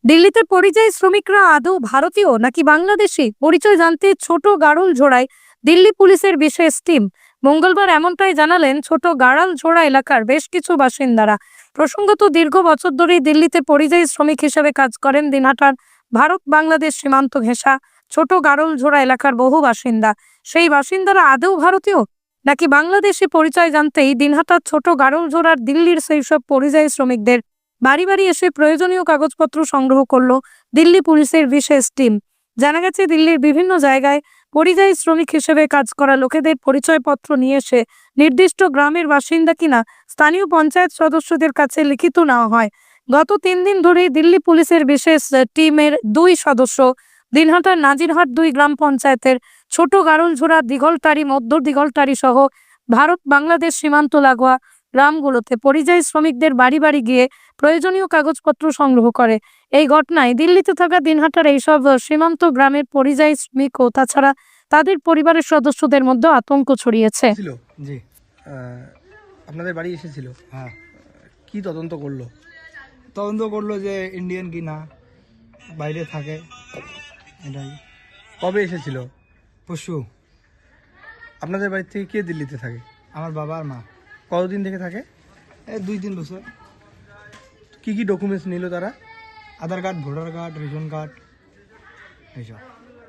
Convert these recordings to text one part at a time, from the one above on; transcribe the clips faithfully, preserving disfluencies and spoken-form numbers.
দিল্লিতে পরিযায়ী শ্রমিকরা আদৌ ভারতীয় নাকি বাংলাদেশি পরিচয় জানতে ছোট গাড়লঝোড়ায় দিল্লি পুলিশের বিশেষ টিম। মঙ্গলবার এমনটাই জানালেন ছোট গাড়ালঝোড়া এলাকার বেশ কিছু বাসিন্দারা। প্রসঙ্গত, দীর্ঘ বছর ধরেই দিল্লিতে পরিযায়ী শ্রমিক হিসেবে কাজ করেন দিনহাটার ভারত বাংলাদেশ সীমান্ত ঘেঁষা ছোট গাড়লঝোড়া এলাকার বহু বাসিন্দা। সেই বাসিন্দারা আদৌ ভারতীয় নাকি বাংলাদেশি পরিচয় জানতেই দিনহাটার ছোট গাড়লঝোড়ার দিল্লির সেই সব পরিযায়ী শ্রমিকদের বাড়ি বাড়ি এসে প্রয়োজনীয় কাগজপত্র সংগ্রহ করল দিল্লি পুলিশের বিশেষ টিম। জানা গেছে, দিল্লির বিভিন্ন জায়গায় পরিযায়ী শ্রমিক হিসেবে কাজ করা লোকেদের পরিচয়পত্র নিয়ে এসে নির্দিষ্ট গ্রামের বাসিন্দা কিনা স্থানীয় পঞ্চায়েত সদস্যদের কাছে লিখিত নেওয়া হয়। গত তিন দিন ধরেই দিল্লি পুলিশের বিশেষ টিমের দুই সদস্য দিনহাটার নাজিরহাট দুই গ্রাম পঞ্চায়েতের ছোট গাড়লঝোড়া, দিঘলটারি, মধ্য দিঘলটারি সহ ভারত বাংলাদেশ সীমান্ত লাগোয়া গ্রামগুলোতে পরিযায়ী শ্রমিকদের বাড়ি বাড়ি গিয়ে প্রয়োজনীয় কাগজপত্র সংগ্রহ করে। এই ঘটনায় দিল্লিতে থাকা দিনহাটার এইসব সীমান্ত গ্রামের পরিযায়ী শ্রমিক ও তাছাড়া তাদের পরিবারের সদস্যদের মধ্যে আতঙ্ক ছড়িয়েছে। জি, আপনাদের বাড়ি এসেছিল? হ্যাঁ। কি তদন্ত করলো? তদন্ত করলো যে ইন্ডিয়ান কি না, বাইরে থাকে, এটাই। কবে এসেছিল? পশু। আপনাদের বাড়ি থেকে কে দিল্লিতে থাকে? আমার বাবা আর মা। কতদিন থেকে থাকে? এই দুই তিন বছর। কি কি ডকুমেন্টস নিল তারা? Aadhaar card, voter card, ration card, এইসব।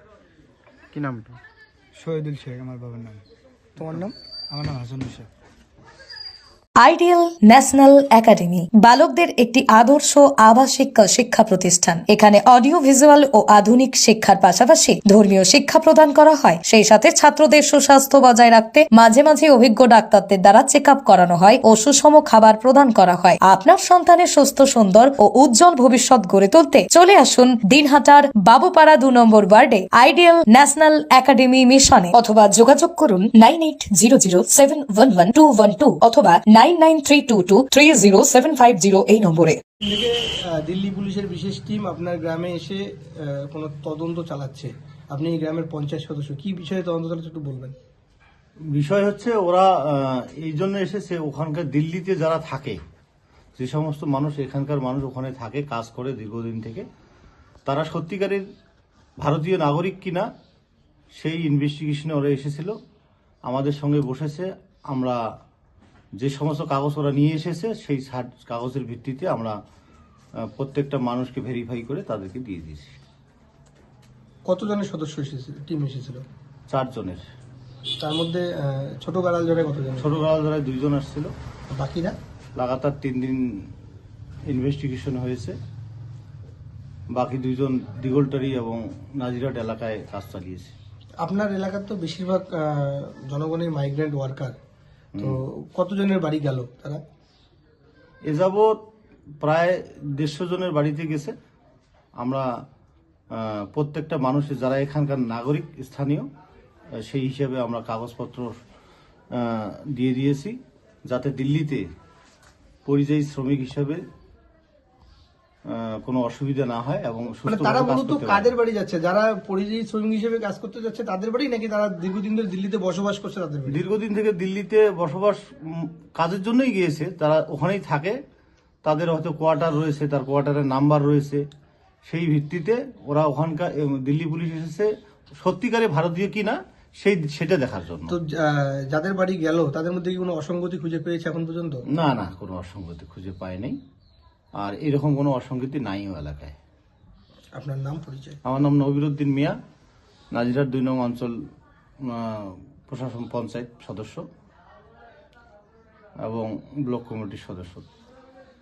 কি নামটা? শহীদুল শেখ আমার বাবার নাম। তোমার নাম? আমার নাম Hasanul Sheikh. Ideal national academy বালকদের একটি আদর্শ আবাসিক শিক্ষা প্রতিষ্ঠান। এখানে অডিও ভিজুয়াল ও আধুনিক শিক্ষার পাশাপাশি ধর্মীয় শিক্ষা প্রদান করা হয়। সেই সাথে ছাত্রদের সুস্বাস্থ্য বজায় রাখতে মাঝে মাঝে অভিজ্ঞ ডাক্তারদের দ্বারা চেক আপ করানো হয় ও সুষম খাবার প্রদান করা হয়। আপনার সন্তানের সুস্থ, সুন্দর ও উজ্জ্বল ভবিষ্যৎ গড়ে তুলতে চলে আসুন দিনহাটার বাবুপাড়া দু নম্বর ওয়ার্ডে আইডিয়াল ন্যাশনাল একাডেমি মিশনে, অথবা যোগাযোগ করুন nine eight zero zero seven one one two one two অথবা nine nine three two two three zero seven five zero এই নম্বরে। থেকে দিল্লি পুলিশের বিশেষ টিম আপনার গ্রামে এসে কোনো তদন্ত চালাচ্ছে। আপনি এই গ্রামের পঞ্চায়েত সদস্য, কি বিষয়ে তদন্ত চালাচ্ছে একটু বলবেন? বিষয় হচ্ছে ওরা এই জন্য এসেছে, ওখানকার দিল্লিতে যারা থাকে, যে সমস্ত মানুষ, এখানকার মানুষ ওখানে থাকে, কাজ করে দীর্ঘদিন থেকে, তারা সত্যিকারের ভারতীয় নাগরিক কিনা সেই ইনভেস্টিগেশনে ওরা এসেছিল, আমাদের সঙ্গে বসেছে। আমরা যে সমস্ত কাগজ ওরা নিয়ে এসেছে সেই কাগজের ভিত্তিতে আমরা প্রত্যেকটা মানুষকে ভেরিফাই করে তাদেরকে দিয়ে দিয়েছি। কতজনের সদস্য এসেছিল, টিম এসেছিল? চারজনের। তার মধ্যে ছোট গাড়ালঝোড়ায় কতজন? ছোট গাড়ালঝোড়ায় দুইজন আসছিল। বাকিরা? লাগাতার তিন দিন ইনভেস্টিগেশন হয়েছে। বাকি দুইজন দিঘলটারি এবং নাজিরহাট এলাকায় কাজ চালিয়েছে। আপনার এলাকার তো বেশিরভাগ জনগণের মাইগ্রেন্ট ওয়ার্কার, তো কতজনের বাড়ি গেল তারা? এ যাবৎ প্রায় দেড়শো জনের বাড়িতে গেছে। আমরা প্রত্যেকটা মানুষের যারা এখানকার নাগরিক স্থানীয়, সেই হিসেবে আমরা কাগজপত্র দিয়ে দিয়েছি, যাতে দিল্লিতে পরিযায়ী শ্রমিক হিসেবে কোনো অসুবিধা না হয় এবং তারা মূলত কাদের বাড়ি যাচ্ছে? যারা পরিযায়ী শ্রমিক হিসেবে কাজ করতে যাচ্ছে তাদের বাড়ি, নাকি তারা দীর্ঘদিন ধরে দিল্লিতে বসবাস করছে তাদের বাড়ি? দীর্ঘদিন থেকে দিল্লিতে বসবাস কাজের জন্যই গিয়েছে, তারা ওখানেই থাকে, তাদের হয়তো কোয়ার্টার রয়েছে, তার কোয়ার্টারের নাম্বার রয়েছে, সেই ভিত্তিতে ওরা ওখানকার দিল্লি পুলিশ এসেছে সত্যিকারে ভারতীয় কিনা সেই সেটা দেখার জন্য। তো যাদের বাড়ি গেল তাদের মধ্যে কি কোনো অসঙ্গতি খুঁজে পেয়েছে এখন পর্যন্ত? না না, কোনো অসঙ্গতি খুঁজে পায় নাই, আর এরকম কোনো অসঙ্গতি নাইও এলাকায়। আপনার নাম, পরিচয়? আমার নাম নবিরুদ্দিন মিয়া, নাজিরহাট দুই নং অঞ্চল প্রশাসন পঞ্চায়েত সদস্য এবং ব্লক কমিটির সদস্য।